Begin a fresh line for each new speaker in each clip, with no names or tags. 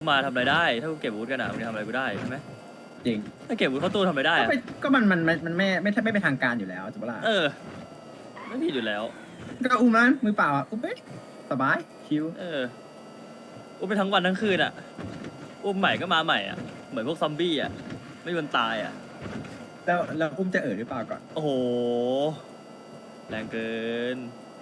มาทำอะไรได้ถ้ากูเก็บอาวุธกันอ่ะมึงจะทำอะไรกูได้ใช่ไหม
จริง
ถ้าเก็บอาวุธเข้าตู้ทำอะไรได้
ก็
อะ
ไปก็มันไม่เป็นทางการอยู่แล้วถูกปะล่ะ
เออไม่ผิดอยู่แล้ว
ก็อุ้มนั้นมือเปล่าอ่ะอุ้มไปสบายชิว
เอออุ้มไปทั้งวันทั้งคืนอ่ะอุ้มใหม่ก็มาใหม่อ่ะเหมือนพวกซอมบี้อ่ะไม่มีวันตายอ่ะ
แล้วอุ้มจะหรือเปล่าก่อน
โอ้โหแรงเกิน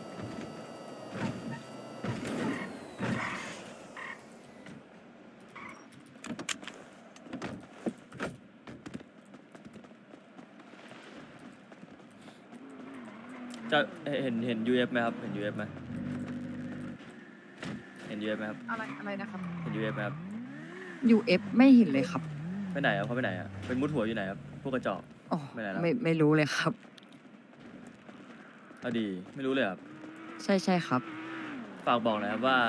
จะเห็น UF ไหมครับเห็น UF ไหมเห็น UF ไหมครับ
อะไรนะครับ
เห็น UF ไหมครับ
UF ไม่เห็นเลยครับ
ไปไหนครับเขาไปไหนอ่ะเป็นมุดหัวอยู่ไหนครับพวกกระจอก
อ๋อ
ไม่ไหนแล้ว
ไม่รู้เลยครับ
เอาดีไม่รู้เลยครับ
ใช่ครับ
ฝากบอกหนะครับว่า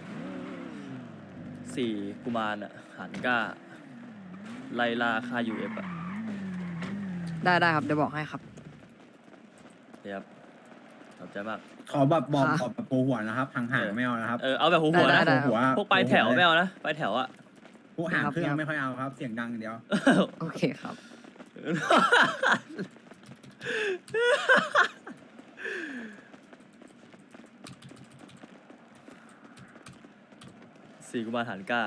สี่กุมารอ่ะหันก้าไล่ล่าค่า UF อ่ะ
ได้ครับเดี๋ยวบอกให้ครับ
เดี๋ยวครับขอบใจมาก
ขอแบบบอก
ค่ะ
แบบโปรหัวนะครับห่างๆไม่เอานะครับ
เอาแบบหัวๆนะ
ได้
หัว
พวกปลายแถวไม่เอานะปลายแถวอ่ะ
พวกห่างเครื่องไม่ค่อยเอาครับ เสียงดังอย่างเดียว
โอเคครับ
สี่กุมารหันก้า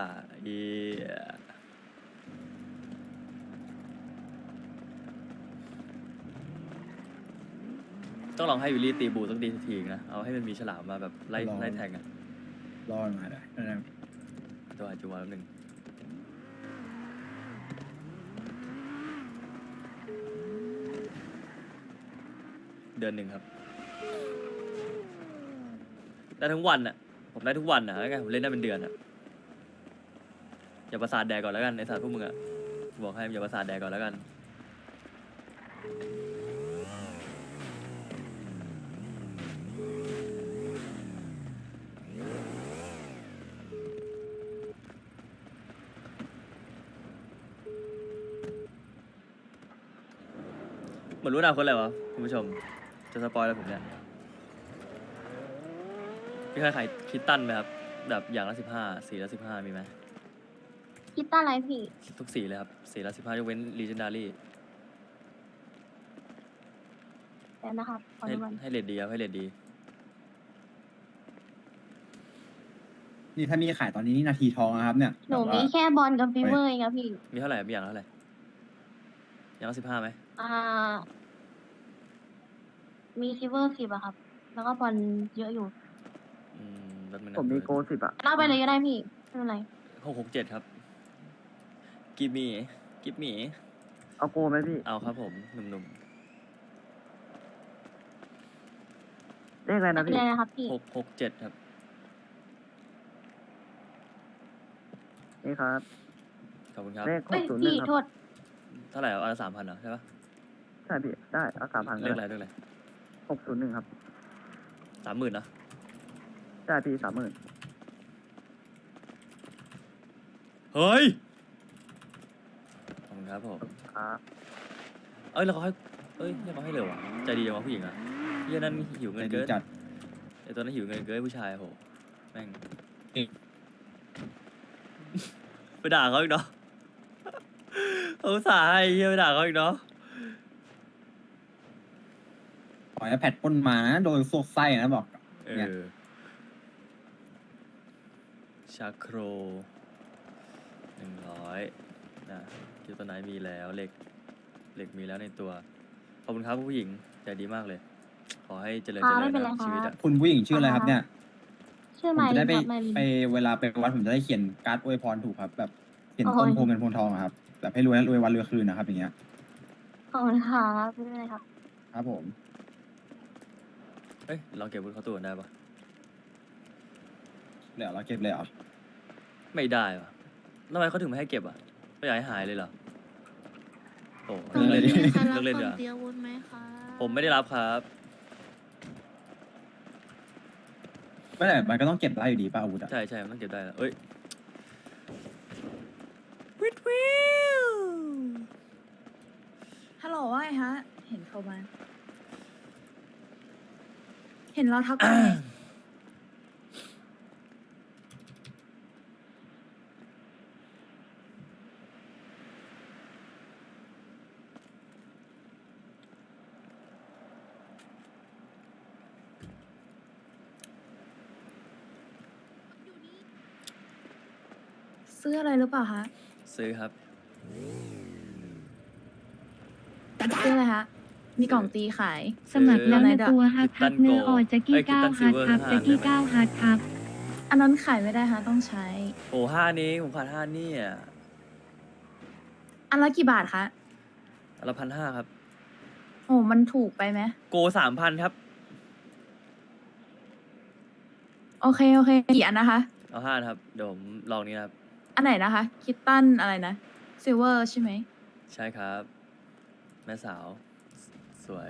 ต้องลองให้วิลลี่ตีบูต้องดีสักทีนะ เอาให้มันมีฉลามมาแบบไล่
ลอง
ไล่แทงอ่ะ
รอมาได้นะครับ
ตัวอาจจะวันหนึ่งเดือนหนึ่งครับ ได้ทั้งวันอ่ะ ผมได้ทุกวันอ่ะแล้วไงผมเล่นได้เป็นเดือนอ่ะ อย่าประสาทแดกก่อนแล้วกันในสารพวกมึงอ่ะ บอกให้อย่าประสาทแดกก่อนแล้วกัน เหมือนรู้อนาคตเลยวะคุณผู้ชม จะสปอยแล้วผมเนี่ยพี่เคยขายคิตตันไหมครับ แบบอย่างละ15สีละ15มีไหม
คิดตั้งอะไรพี่
ทุกสีเลยครับสีละ15ยกเว้น Legendary
แต่นะครับขอ
ให้
ดูมัน
ให้เลดดีครับให้เลดดี
นี่ถ้ามีขายตอนนี้นี่นาทีทองนะครับเนี่ย
หนู
แบบ
มี
ว่า
แค่บอลกับฟีเวอร์เองครับพี่
มีเท่าไหร่มีอย่างละเท่าไหร่อย่างละ15ไหม
อ่า มีซิเวอร์10อะครับ แล้วก็บอลเยอะอยู่
รถมัน
ผมมีโก10อะ
เล่าไปเลยก็ได้พี่ ไม่เป็นไร
667ครับกิมมี่
เอาโกไหมพี่
เอาครับผมหนุ่ม
เลขอะไรนะ
ไม่
พี่
เป็นไรนะครับพี่
ๆ667ครับ
นี่ครับ
ขอบคุณครับ
เลข
เฮ้ย
601
พี่
ครับ
โทษ
เท่าไหร่เอา3,000เหรอใช่ปะ
ใช่พี่ได้เอา3,000
เล
ก็
ขอะไร
ได้
เลขอะไร
601ครับ
30,000นะ
ใช่พี่30,000
เฮ้ยขอบคุณครับผม
ครับ
แล้วเขาให้เขาให้เร็วอ่ะใจดีจังวะผู้หญิงอ่ะเฮียนั่นหิวเงิน
ดี
เกิน
จัด
ไอตัวนั้นหิวเงินเกินผู้ชายโหแม่ง ไปด่าเขาอีกเนาะเขาอุตส่าห์ให้เฮียไปด่าเขาอีกเนาะ
ขอให้แพทปล้นมานะโดนซวกไส้นะบอก เนี่ย
ชาโคร100นะคิวตัวไหนมีแล้วเหล็กมีแล้วในตัว ขอบคุณครับผู้หญิงใจดีมากเลย ขอให้เจริญ
ไม่เป็นไร
นะ
ครับ
ชีวิตอะ
คุณผู้หญิงชื่ออะไรครับเนี่ย
ชื่อ
ผม
ไม
จะ
ลิ
ได้
น
ไป
ครับไมลิน
ไปเวลาไปวัดผมจะได้เขียนการ์ดอวยพรถูกครับ แบบเขียน
โอ้
ต้น
ย
โพเงินโพทองอะครับแบบให้รวยรวยวันรวยคืนนะครับอย่างเงี้ย
ขอบคุณครับไม่เป็นไรครับ
ครับผม
เอ้ยลองเก็บวุฒิเข้าตัวได้ปะ
เหลือเราเก็บเลยเหรอ
ไม่ได้ปะทำไมเขาถึงไม่ให้เก็บอ่ะไม่อยากให้หายเลยเหรอโอ้
เออเลยดิ
ใครรับ
เลิกเล่น
ค
เดี๋
น
ยวา
เตรียมอาวุธไหมคะ
ผมไม่ได้รับครับ
ไม่แต่มันก็ต้องเก็บได้อยู่ดีป่ะอาวุธอะ
ใช่มันต้องเก็บได้แล้วเอ้ย
ฮัลโหลว่าไงฮะ เห็นเขามา เห็นเราทักไปไงซื้ออะไรหรือเปล่าคะ
ซื้อครับ
ซื้ออะไรคะ มีกล่องตีขาย
สมัครแล้วนะ
ซื้อ
ตัวฮักครับเนื้อออแจ็กกี้ก้าวฮักครับแจ็กกี้ก้าวฮักครับ
อันนั้นขายไม่ได้ค่ะต้องใช้
โอ้ห้านี้ผมขาดห้านี่อ่ะ
อันละกี่บาทคะ
อันละ1,500ครับ
โอ้มันถูกไปไหม
โก3,000ครับ
โอเคโอเคกี่อันนะคะ
เอาห้านะครับเดี๋ยวผมลองนี้นะครับ
อันไหนนะคะ คิตตันอะไรนะซิลเวอร์ใช่ไหม
ใช่ครับ แม่สาว สวย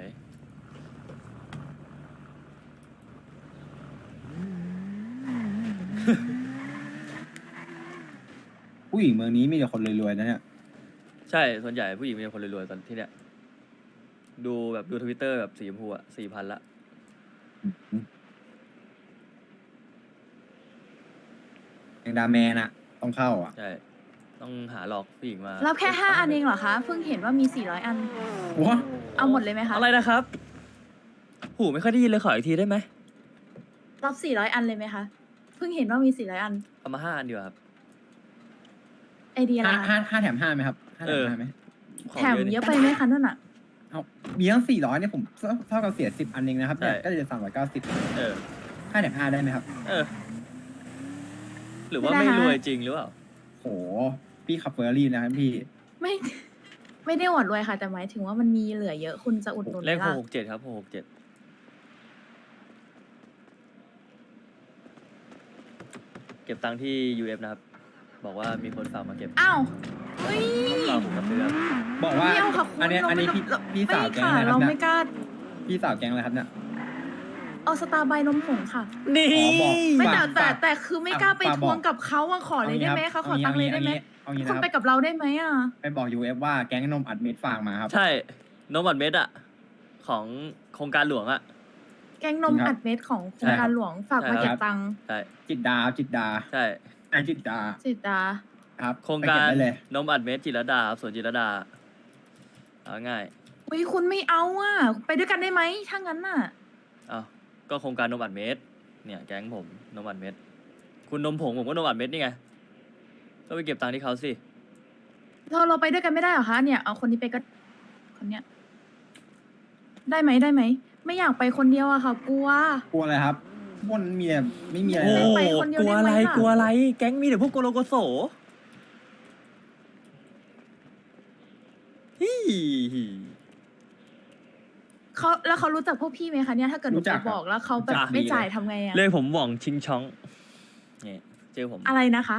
ผู้หญิงเมืองนี้มีแต่คนรวยๆนะเนี่ย
ใช่ส่วนใหญ่ผู้หญิงมีแต่คนรวยๆตอนที่เนี้ยดูแบบดูทวิตเตอร์แบบสีชมพูอ่ะ4,000ละ
อย่างดาแมนอะต้องเข้าอ่ะ
ใช่ ต้องหาหลอกผู้หญิงมา
รับแค่5อันเองเหรอคะ เพิ่งเห็นว่ามี400อัน
ว้า
เอาหมดเลยไหมคะ
อะไรนะครับ หูไม่ค่อยได้ยินเลยขออีกทีได้ไหม
รับ400อันเลยไหมคะ เพิ่งเห็นว่ามี400อัน
เอามา5 อันดีกว่าครับ
ไอเดียอะไรคะ
ห้าแถมห้าไหมครับห้าแถมห้าไหม
ของ
แถม
นี่
เยอะไปไหมคะนั่นอ่ะ
เอามีตั้ง400เนี่ยผมเท่ากับเสีย10 อันเองนะครับเนี่ย
ใช่
ก็จะ390
เออ
ห้าแถมห้าได้ไหมครับ
เออ หรือว่า
ไม่
ไม่
ได้
ร
ฮะ
วยจริงหรือเปล่า
โหพี่ขับเฟอร์รารี่นะครับพี่
ไม่ ไม่ได้หวัดรวยค่ะ แต่หมายถึงว่ามันมีเหลือเยอะคุณจะอุดหนุนไห
เล
ม
ข
ล่ะ
667ครับ667เก็บตังค์ที่ UF นะครับ บอกว่ามีคนฝากมาเก็บ
อ้าวเฮ้ย
ฝากผมมาซื้อครับ
บอกว่า
ไม่เอาค่ะคุณ
อันนี้
เรา
อันนี้
ไม่
พี่สาวแก๊ง
ค่ะ
อะไรครั
เรา
บ
ไม่
เนี่ย
กล้า
พี่สาวแก๊งอะไรครับเนี่ย
เอาสตาร์บายนมผงค่ะ
นี่
อ๋อบอก
ไม่
ฝาก
แต่
ฝาก
แต่คือไม่กล้าไป
ฝาก
ท
บอก
วงกับเขาอะขอเลยได้ไหมคะขอตังค์เลยได้ไหม
เอางี้
คุ
นะ
ณ
ค
ไป
รับ
กับเราได้ไหมอะ
ไปบอก UF ว่าแก๊งนมอัดเม็ดฝากมาครับ
ใช่นมบัตรเม็ดอะของโครงการหลวงอะ
แกงนม
ครับ
อัดเม็ดของโครงการหลวงฝากมา
ใช่
เก็
ครับ บ
ตังค์
ใช่
จิตดาจิตดา
ใช่
ไอจิตดา
สิตา
ครับ
โครง
ไป
กา
เบ
ร
ได้เลย
นมอัดเม็ดจิรดาครับสวนจิรดาเอาง่าย
อุ้ยคุณไม่เอาอะไปด้วยกันได้ไหมถ้างั้นน่ะ
อ้าวก็โครงการนมอัดเม็ดเนี่ยแก๊งผมนมอัดเม็ดคุณนมผงผมก็นมอัดเม็ดนี่ไงก็ไปเก็บตังค์ที่เขาสิ
เราไปด้วยกันไม่ได้เหรอคะเนี่ยเอาคนนี้ไปก็คนเนี้ยได้ไหมได้ไหมไม่อยากไปคนเดียวอะค่ะ กลัว
กลัวอะไรครับบนมีแต่ไม่มีอะไร
โอ้
นะ
ไปคนเดียว
กลัว
ได้
อะ
ไหม
ไร
ล่ะ
กลัวอะไร แก๊งมีแต่พวกโกโลโกโสฮิ
เขารู้จักพวกพี่ไหมคะเนี่ยถ้าเกิดหนูไปบอกแล้วเขาแบบไม่จ่ายทำไงอะ
เลยผมหว่องชิงช้องนี่เจอผม
อะไรนะคะ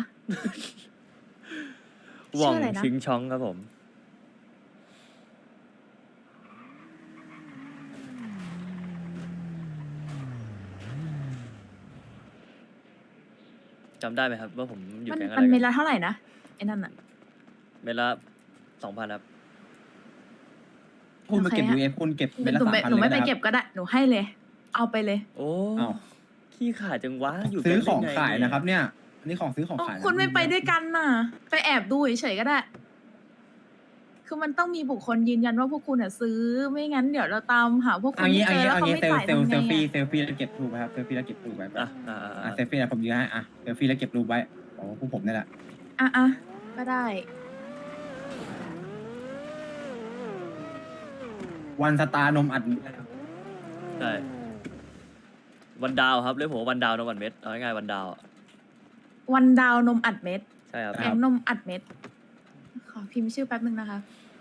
หว่อง
ชื่ออะไรนะ
ชิงช้องครับผมจำได้ไหมครับว่าผมอยู่
มัน
แก๊งอะไร
มันเม
กัน
ละเท่าไหร่นะไอ้นั่นอะ
เมตรละ2,000ครับ
คุณมาเก็บ
โอเคฮะ
UF คุณเก็บเป็นละ
หนูไม่
3,000
หนูไม่
เลย
ไป
นะค
เก็
รั
บบ ก็ได้หนูให้เลย เอาไปเลย
โอ้
อ้าว
ขี้ขาดจังวะอยู่
ซื้อ
แก๊
ของ
ได้ไ
ขายนะครับ เนี่ยอันนี้ของซื้อของ
อ๋อ
ขายนะ
คุณไม่ไปด้วยกันน่ะ ไปแอบดูเฉยๆก็ได้ คือมันต้องมีบุคคลยืนยันว่าพวกคุณอ่ะซื้อ ไม่งั้นเดี๋ยวเราตามหาพวกคุ
เอา
ณ
งี้
ไม่
เอา
เจอ
งี้
แล้ว
เอา
เขา
งี้
ไม่
เซล
จ่าย
ล์
ทำไง
เซล
อะ
ฟี่แล้วเก็บรูปไว้ครับเซลฟี่แล้วเก็บรูปไว้
อ่ะอ่ะ
เซลฟี่แล้วผมยืนให้เซลฟี่แล้วเก็บรูปไว้โอ้พวกผมนี่แหละ
อ่ะก็ได้
วันสตาร์นมอัดนะครับ
ใช่วันดาวครับเรียกผมว่าวันดาวนมอัดเม็ดเอาง่ายๆวันดาวอะ
วันดาวนมอัดเม็ด
ใช่ครับ
แกงนมอัดเม็ด ขอพิมพ์ชื่อแป๊บนึงนะคะ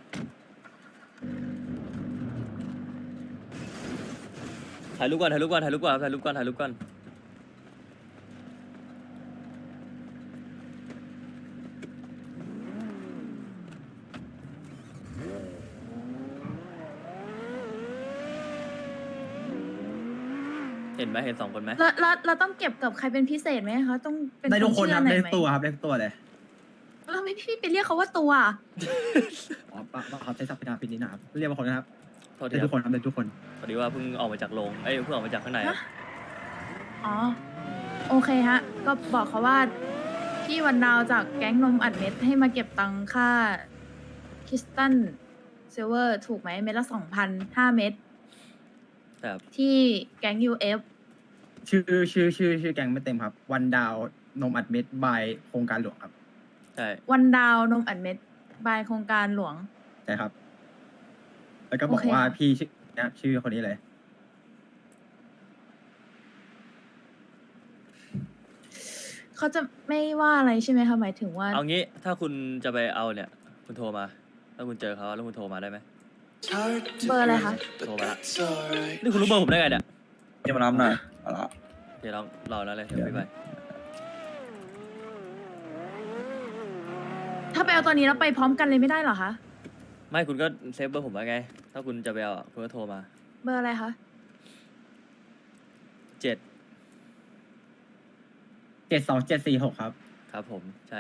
ถ่ายรูปก่อนถ่ายรูปก่อนถ่ายรูปก่อนถ่ายรูปก่อนถ่ายรูปก่อนเห็นไหมเห็น2 คนไหม
แล้วเราต้องเก็บกับใครเป็นพิเศษไหมคะ ต้องเป็น
ได้ทุกคน
ชื่
ค
อ
รับ
ไหน
ได้
ไหม
ตัวครับได้ตัวเลย
แล้วไม่พี่ไปเรียกเขาว่าตัวอะ
อ๋อปะเขาใช้ศัพท์พิธาพินิจนะครับเรียกว่าคนนะครับ
โทษที
ได้
ค
ทุ
รั
ก
บ
คนครับได้ทุกคน
พอดีว่าเพิ่งออกมาจากโรงเอ้ยเพิ่งออกมาจากข้างในครับ
อ๋อ โอเคฮะ ก็บอกเขาว่า พี่วันดาวจากแก๊งนมอัดเม็ดให้มาเก็บตังค่าคิสตันซิลเวอร์ถูกไหมเม็ดละ2,005 เม็ด
แต่
ที่แก๊ง UF
ชื่อแก๊งไม่เต็มครับ วันดาวนมอัดเม็ดบายโครงการหลวงครับ
ช่
วันดาวนมอัดเม็ดบายโครงการหลวง
ใช่ครับ แล้วก็บอก
โอเค
ว่าพี่ชื่อคนนี้เลย
เขาจะไม่ว่าอะไรใช่ไหมคะหมายถึงว่า
เอางี้ถ้าคุณจะไปเอาเนี่ย คุณโทรมา ถ้าคุณเจอเขาแล้วคุณโทรมาได้ไหม
เบอร์อะไรคะ
โทรมาละนี่คุณรู้เบอร์ผมได้ไงเนี่ย
จะมารับหน่อยเอาละ
เดี๋ยวรอแล้วเลยเดี๋ยวพี่ไป
ถ้าไปเอาตอนนี้แล้วไปพร้อมกันเลยไม่ได้เหรอคะ
ไม่คุณก็เซฟเบอร์ผมไว้ไง ถ้าคุณจะไปเอาอะคุณก็โทรมา
เบอร์อะไรคะ
เจ็ด
72746ครับ
ครับผมใช่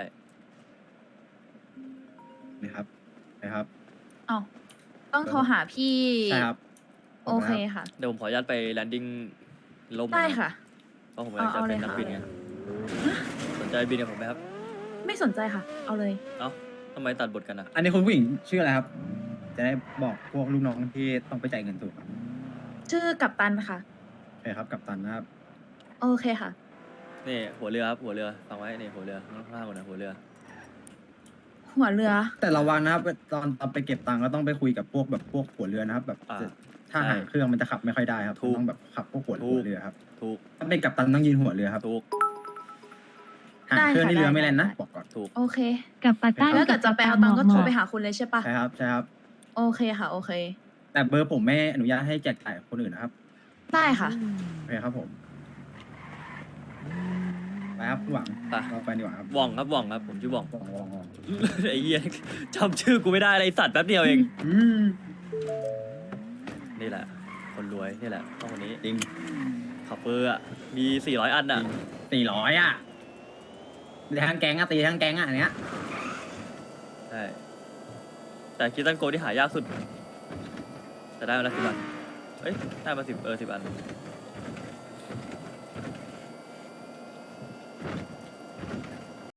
นะครับนะครับ
อ้าวต้องโทรหาพี่
ใช่ครับ
โอเคค่ะ
เดี๋ยวผมขออนุญาตไปแลนดิ้งลม
ได้ค่ะ
เพราะผมกำลังจะ
เอาเล
เป็
ย
นนัก
ค่ะ
บินไงสนใจบินกับผมไหมครับ
ไม่สนใจค่ะ เอาเลย
เอ้าทำไมตัดบทกันอ่ะ
อันนี้คุณผู้หญิงชื่ออะไรครับ จะได้บอกพวกลูกน้องที่ต้องไปจ่ายเงินถูกครับ
ชื่อกัปตันค่ะ
โอเคครับ กับตันนะครับ
โอเคค่ะ
นี่หัวเรือครับหัวเรือฟังไว้นี่หัวเรือข้างล่างก่อนนะหัวเรือ
หัวเรือ
แต่ระวังนะครับตอนไปเก็บตังค์ก็ต้องไปคุยกับพวกหัวเรือนะครับ แบบ
อ่า
ถ้า
ใช่
หางเครื่องมันจะขับไม่ค่อยได้ครับ
ถูก
ต้องแบบขับพวกหัว
ถูก
เรือครับ
ถูก
ถ้าเป็นกัปตันต้องยืนหัวเรือครับ
ถูก
หางเครื่องนี่
ได้ค่ะ
เรือไม่แล่นนะ
ได้
บอกก่อน
ถูก
โอเค
กับปาต้า
แล้วเกิดจะไปเอาตังค์ก็โทรไปหาคุณเลยใช่ปะ
ใช่ครับใช่ครับ
โอเคค่ะ โอเค
แต่เบอร์ผมไม่อนุญาตให้แจกจ่ายคนอื่นนะครับ
ได้ค่ะ
โอเคครับผมไปครับคุณหวัง
ไป
เราไปดีกว่าครับ
ว่องครับว่องครับผมชื่อว่อง
หวังหวังหวัง
ไอ้เหี้ยจำชื่อกูไม่ได้เลยไอ้สัตว์แป๊บเดียวเอง
อืม
นี่แหละ คนรวยนี่แหละต้องคนนี้
จริง
ขับเปอร์อ่ะมี400 อันอ่ะ
400อ่ะตีทั้งแก๊งอ่ะตีทั้งแก๊งอ่ะอันเนี้ย
ใช่แต่คิดตันโกที่หายากสุดแต่ได้มาละ10 อันเอ้ยได้มา10 10 อัน